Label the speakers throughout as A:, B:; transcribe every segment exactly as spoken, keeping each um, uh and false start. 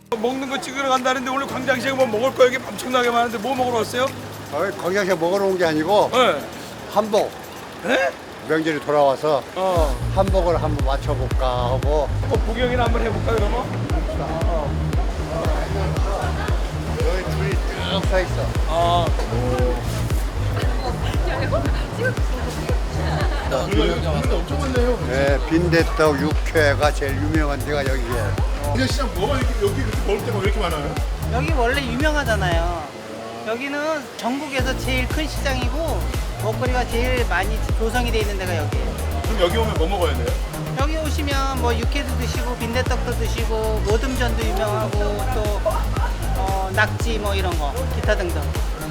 A: 먹는 거 찍으러 간다는데 오늘 광장시장 뭐 먹을 거 여기 엄청나게 많은데 뭐 먹으러 왔어요?
B: 어, 광장시장 먹으러 온 게 아니고
A: 네.
B: 한복
A: 네?
B: 명절이 돌아와서
A: 어.
B: 한복을 한번 맞춰볼까 하고.
A: 어, 구경이나 한번 해볼까 그러면?
B: 여기 줄이 쭉 서 있어.
A: 아.
C: 엄청 많네요.
B: 네, 빈대떡 육회가 제일 유명한 데가 여기예요.
C: 근데 시장 뭐가 이렇게 여기 이렇게 먹을 때가 왜 이렇게 많아요?
D: 여기 원래 유명하잖아요. 여기는 전국에서 제일 큰 시장이고 먹거리가 제일 많이 조성이 돼 있는 데가 여기예요.
C: 그럼 여기 오면 뭐 먹어야 돼요?
D: 여기 오시면 뭐 육회도 드시고 빈대떡도 드시고 모듬전도 유명하고 또 어, 낙지 뭐 이런 거 기타 등등.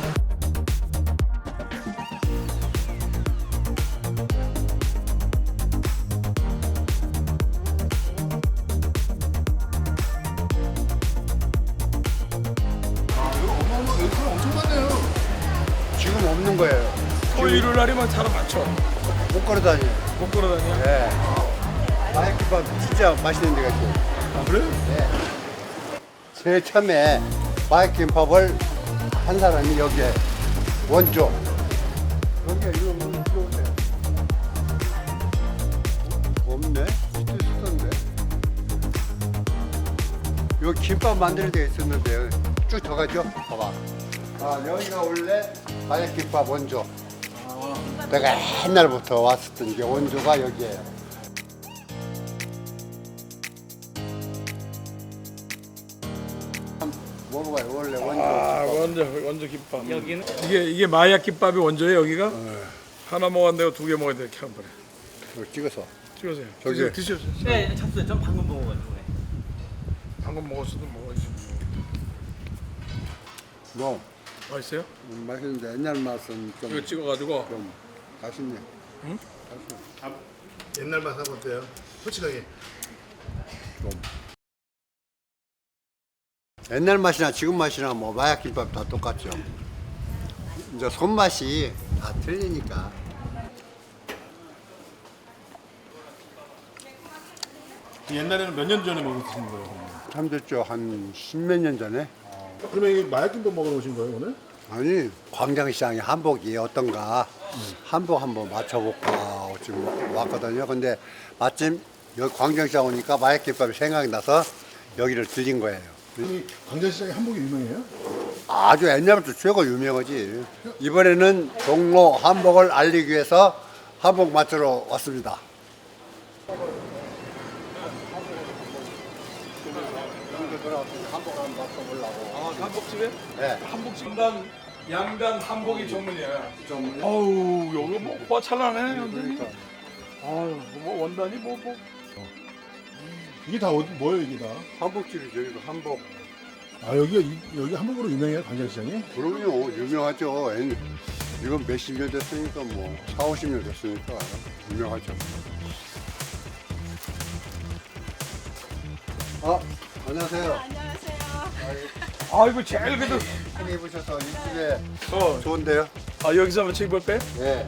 C: 여기 사람 엄청 많네요.
B: 지금 없는 거예요.
A: 토요일 날이면 사람 많죠.
B: 못 걸어 다녀.
A: 못 걸어 다녀.
B: 네. 마약김밥 진짜 맛있는 데가 있어요.
C: 아 그래요?
B: 네. 제일 처음에 마약김밥을 한 사람이 여기에 원조. 여기에 이거 뭐 들어오세요. 없네? 있을 있었는데. 여기 김밥 만드는 데 있었는데 쭉 더 가죠? 봐봐. 아, 여기가 원래 마약김밥 원조. 내가 옛날부터 왔었던 게 원조가 여기예요. 한번 먹어봐요. 원래 원조.
A: 아, 원조 원조 김밥. 여기는 이게 이게 마약 김밥이 원조예요 여기가? 하나 먹었는데 두 개 먹어야 돼 이렇게 한 번에.
B: 이거 찍어서.
A: 찍으세요.
B: 저기.
A: 드셔 드셔.
D: 네, 찼어요. 전 방금 먹어가지고.
A: 방금 먹었어도 먹어야지.
B: 뭐
A: 맛있어요?
B: 음, 맛있는데 옛날 맛은 좀,
A: 이거 찍어가지고.
B: 좀 맛있네.
C: 옛날 맛하고 어때요? 솔직하게.
B: 좀. 옛날 맛이나 지금 맛이나 뭐 마약김밥 다 똑같죠. 이제 손맛이 다 틀리니까.
C: 옛날에는 몇 년 전에 먹으신 거예요?
B: 참 됐죠. 한 십몇 년 전에.
C: 그러면 이게 마약김밥 먹으러 오신 거예요 오늘?
B: 아니 광장시장에 한복이 어떤가 한복 한번 맞춰볼까 지금 왔거든요. 근데 마침 여기 광장시장 오니까 마약김밥이 생각이 나서 여기를 들린 거예요.
C: 이 광장시장에 한복이 유명해요?
B: 아주 옛날부터 최고 유명하지. 이번에는 종로 한복을 알리기 위해서 한복 맞추러 왔습니다. 한복 한번 맞춰보려고.
A: 아, 한복집에?
B: 네.
A: 한복집단 양단 한복이 전문이야.
B: 좀
A: 어우 여기 뭐 호화 찬란해 완전히.
B: 그러니까.
A: 아유 뭐 원단이 뭐 뭐.
C: 이게 다 어디, 뭐예요 이게 다?
B: 한복집이 저기도 한복.
C: 아 여기가 이- 여기 한복으로 유명해요 광장시장이?
B: 그럼요, 유명하죠. 옛- 이건 몇십 년 됐으니까 뭐 사오십 년 됐으니까 유명하죠. 아, 안녕하세요.
E: 안녕하세요.
A: 아이고 제일 그래도.
B: 크게 입으셔서 이쪽에
A: 어.
B: 좋은데요?
A: 아 여기서 한번 찍어볼까요?
B: 네.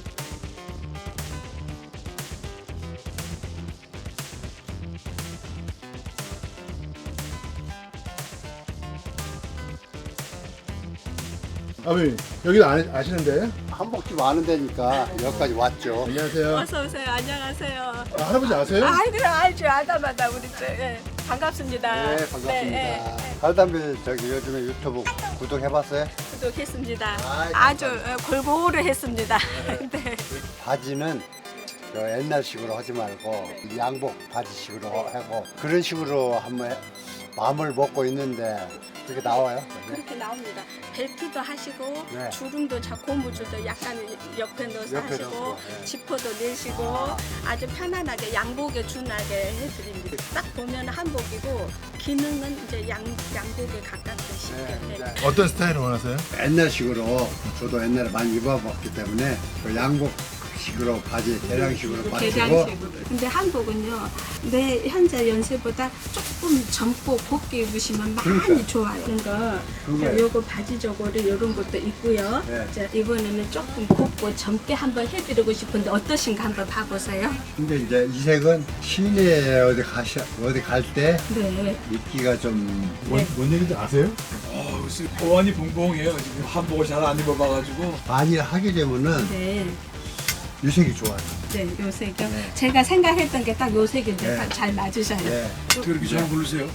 C: 아버님 여기 아, 아시는데?
B: 한복집 아는 데니까 여기까지 왔죠.
C: 안녕하세요.
E: 어서 오세요. 안녕하세요.
C: 아, 할아버지 아세요?
E: 아, 그래 알죠. 알다마다 우리 저 예. 반갑습니다.
B: 네, 반갑습니다.
E: 네, 예.
B: 달담배 저기 요즘에 유튜브 구독해봤어요?
E: 구독했습니다.
B: 아이고,
E: 아주 어, 골고루 했습니다. 네.
B: 바지는 저 옛날식으로 하지 말고 양복 바지식으로 하고 그런 식으로 한번 해- 마음을 먹고 있는데 그렇게 나와요?
E: 그렇게 나옵니다. 벨트도 하시고
B: 네.
E: 주름도 자 고무줄도 약간 옆에 넣어서
B: 옆에
E: 하시고
B: 넣고, 네.
E: 지퍼도 내시고 아주 편안하게 양복에 준하게 해드립니다. 딱 보면 한복이고 기능은 이제 양 양복에 가깝게 쉽게.
B: 네,
E: 네.
B: 네.
C: 어떤 스타일을 원하세요?
B: 옛날식으로 저도 옛날에 많이 입어봤기 때문에 그 양복 계량식으로 바지 계량식으로 맞추고
E: 개량식으로. 근데 한복은요, 내 현재 연세보다 조금 젊고 곱게 입으시면 많이
B: 그러니까.
E: 좋아요. 그러니까
B: 그거예요.
E: 요거 바지 저고리 이런 것도 있고요.
B: 네.
E: 자, 이번에는 조금 곱고 젊게 한번 해드리고 싶은데 어떠신가 한번 봐보세요.
B: 근데 이제 이 색은 시내에 어디 가시 어디 갈 때
E: 네.
B: 입기가 좀
C: 뭔, 뭔 얘기인지 아세요?
A: 어, 글쎄, 보안이 봉봉해요. 지금 한복을 잘 안 입어봐가지고.
B: 많이 하게 되면은
E: 네.
B: 이 색이 좋아요.
E: 네, 요 색이요. 제가 생각했던 게 딱 요 색인데
B: 네.
E: 딱 잘 맞으셔요.
B: 네.
A: 어떻게 이렇게 잘 고르세요?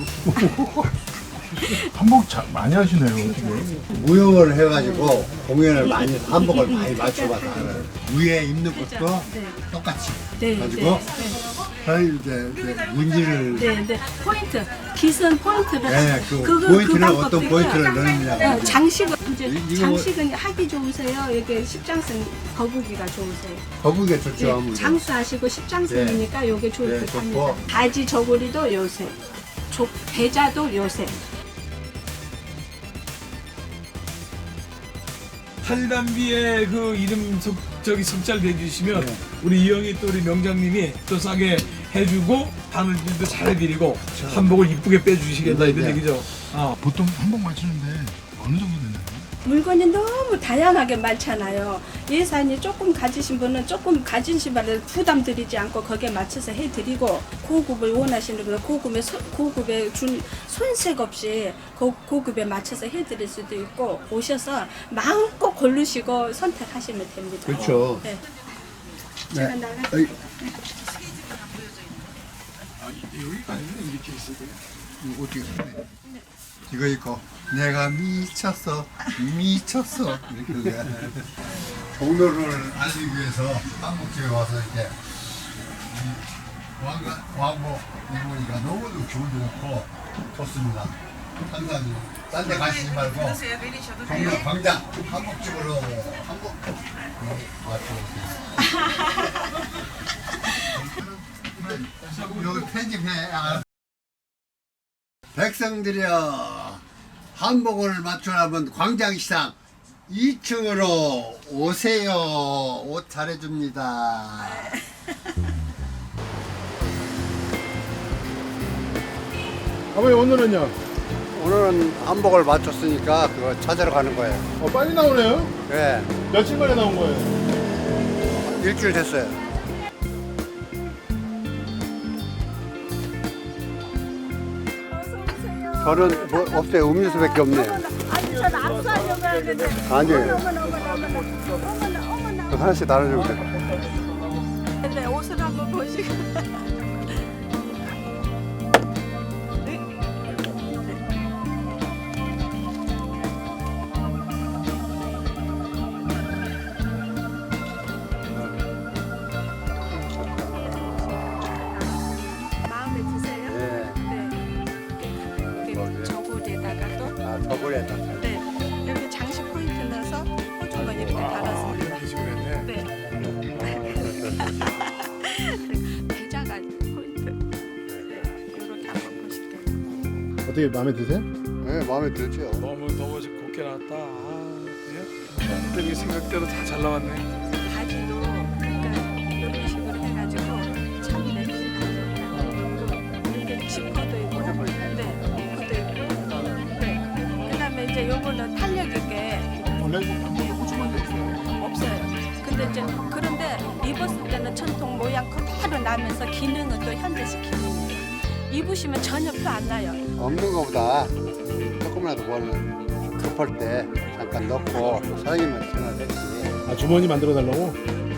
C: 한복 자, 많이 하시네요. 어떻게.
B: 무용을 해가지고 공연을 많이 해서 한복을 많이 맞춰봐서 알아요. 위에 입는 것도
E: 네.
B: 똑같이
E: 네,
B: 가지고
E: 네.
B: 사실 이제, 이제 문지를
E: 네, 네. 포인트, 기선 포인트를
B: 네, 그
E: 그거-
B: 포인트를
E: 그
B: 어떤
E: 방법도
B: 포인트를
E: 있고요.
B: 넣느냐고
E: 어, 장식은 이제
B: 이- 이거
E: 장식은 하기 좋으세요. 이게 십장승 거북이가 좋으세요.
B: 거북이가 좋죠.
E: 예,
B: 아무래도.
E: 장수하시고 십장승이니까 요게 좋을
B: 네,
E: 듯
B: 좋고.
E: 합니다. 바지 저고리도 요새, 조, 배자도 요새.
A: 탈담비에 그 이름 석, 저기 석자를 대주시면
B: 네.
A: 우리 이영희 또 우리 명장님이 또 싸게 해주고 바늘질도 잘 해드리고 한복을 이쁘게 빼주시겠다 이런
B: 네.
A: 얘기죠. 어.
C: 보통 한복 맞추는데 어느 정도 되나요?
E: 물건이 너무 다양하게 많잖아요. 예산이 조금 가지신 분은 조금 가진 신발을 부담 드리지 않고 거기에 맞춰서 해드리고 고급을 원하시는 분은 고급에, 소, 고급에 준 손색 없이 고, 고급에 맞춰서 해드릴 수도 있고 오셔서 마음껏 고르시고 선택하시면 됩니다.
B: 그렇죠.
E: 네. 제가
B: 네.
E: 나갈게요.
B: 어이,
A: 아, 여기가 아니면 이렇게 있어야 돼요.
B: 이거 어떻게 해? 이거 입고 내가 미쳤어 미쳤어 이렇게 돼. 종로를 알리기 위해서 한국집에 와서 이렇게 이 왕가, 왕복 입으니까 너무도 기분도 좋고 좋습니다. 항상 딴 데 가시지 말고 종로 광장 한국집으로 한국 맞춰. 여기 편집해. 아. 백성들이여 한복을 맞추려면 광장시장 이 층으로 오세요. 옷 잘해줍니다.
C: 아버지 오늘은요?
B: 오늘은 한복을 맞췄으니까 그거 찾으러 가는 거예요.
C: 어, 빨리 나오네요?
B: 네,
C: 며칠 만에 나온 거예요?
B: 일주일 됐어요. 저는 뭐 없어요. 음료수밖에 없네요.
E: 아니, 전 압수하려고 하는데.
B: 아니에요.
E: 어머나, 어머나, 어머나. 어머나, 어머나.
B: 하나씩 나눠주면 돼요.
E: 네, 옷을 한번 보시고. 마음에 드세요?
B: 네.
E: 네. 이렇게 저고리에다가 또.
B: 아, 저번에다.
E: 네. 여기 장식 포인트 넣어서 호주머니 이렇게 달았습니다.
A: 이렇게 그랬네.
E: 네. 배자가 포인트. 네. 이렇게 한번 보실게요.
C: 어떻게 마음에 드세요?
B: 네, 마음에 들죠.
A: 너무 더워서 곱게 나왔다. 아, 그냥 여기 생각대로 다 잘 나왔네.
E: 바지도 그러니까 이런 식으로 해가지고 참 냄새 나요. 이렇게 지퍼도 있고, 네, 지퍼도 있고, 네. 그다음에 이제 요거는 탄력 있게
C: 원래 한복에 호주머니 있어요.
E: 없어요. 근데 이제 그런데 입었을 때는 전통 모양 그대로 나면서 기능은 또 현대식 기능이에요. 입으시면 전혀 표 안 나요.
B: 없는 것보다 조금이라도 뭘 급할 때 잠깐 넣고 사장님만 생각했지.
C: 아 주머니 만들어 달라고?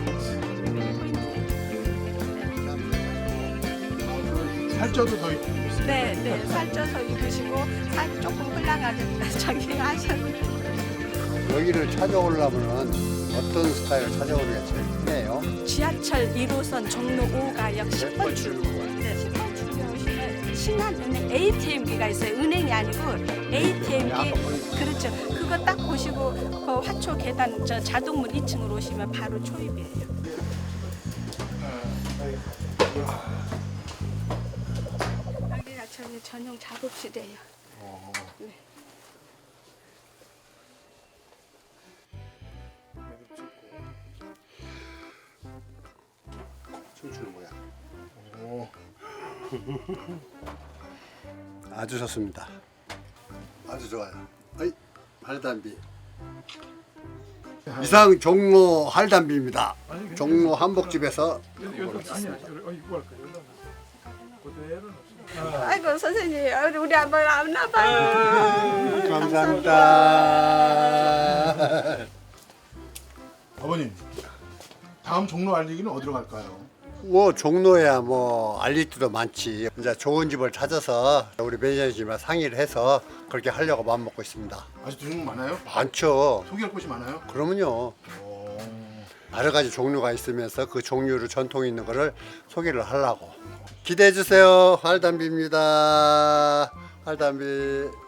C: 살쪄도 더 있고.
E: 네, 네, 살쪄서 입으시고 살 조금 흘러가게 저기 하셔도
B: 여기를 찾아오려면 어떤 스타일을 찾아오는 게 제일 편해요?
E: 지하철 일 호선 종로 오 가역 십 번 출구. 네, 십 번 출구에 오시면 신한은행 에이티엠기가 있어요. 은행이 아니고 에이티엠기. 그렇죠. 그거 딱 보시고 그 화초 계단 저 자동문 이 층으로 오시면 바로 초입이에요. 여기가 저희 전용 작업실이에요. 네.
B: 춤추는 모양.
C: 오.
B: 아주 좋습니다. 아주 좋아요. 어이, 할담비. 이상 종로 할담비입니다. 종로 한복집에서
A: 이것도 아니야. 어, 이거 할 거야. 그대로는 없어.
E: 아이고 선생님 우리 한번 안 나봐요.
B: 감사합니다.
C: 아버님, 다음 종로 알리기는 어디로 갈까요?
B: 뭐 종로야 뭐 알릴 때도 많지. 이제 좋은 집을 찾아서 우리 매니저님과 상의를 해서 그렇게 하려고 마음 먹고 있습니다.
C: 아직 종로 많아요?
B: 많죠.
C: 소개할 곳이 많아요?
B: 그러면요.
C: 오.
B: 여러 가지 종류가 있으면서 그 종류로 전통 있는 거를 소개를 하려고. 기대해 주세요. 할담비입니다. 할담비.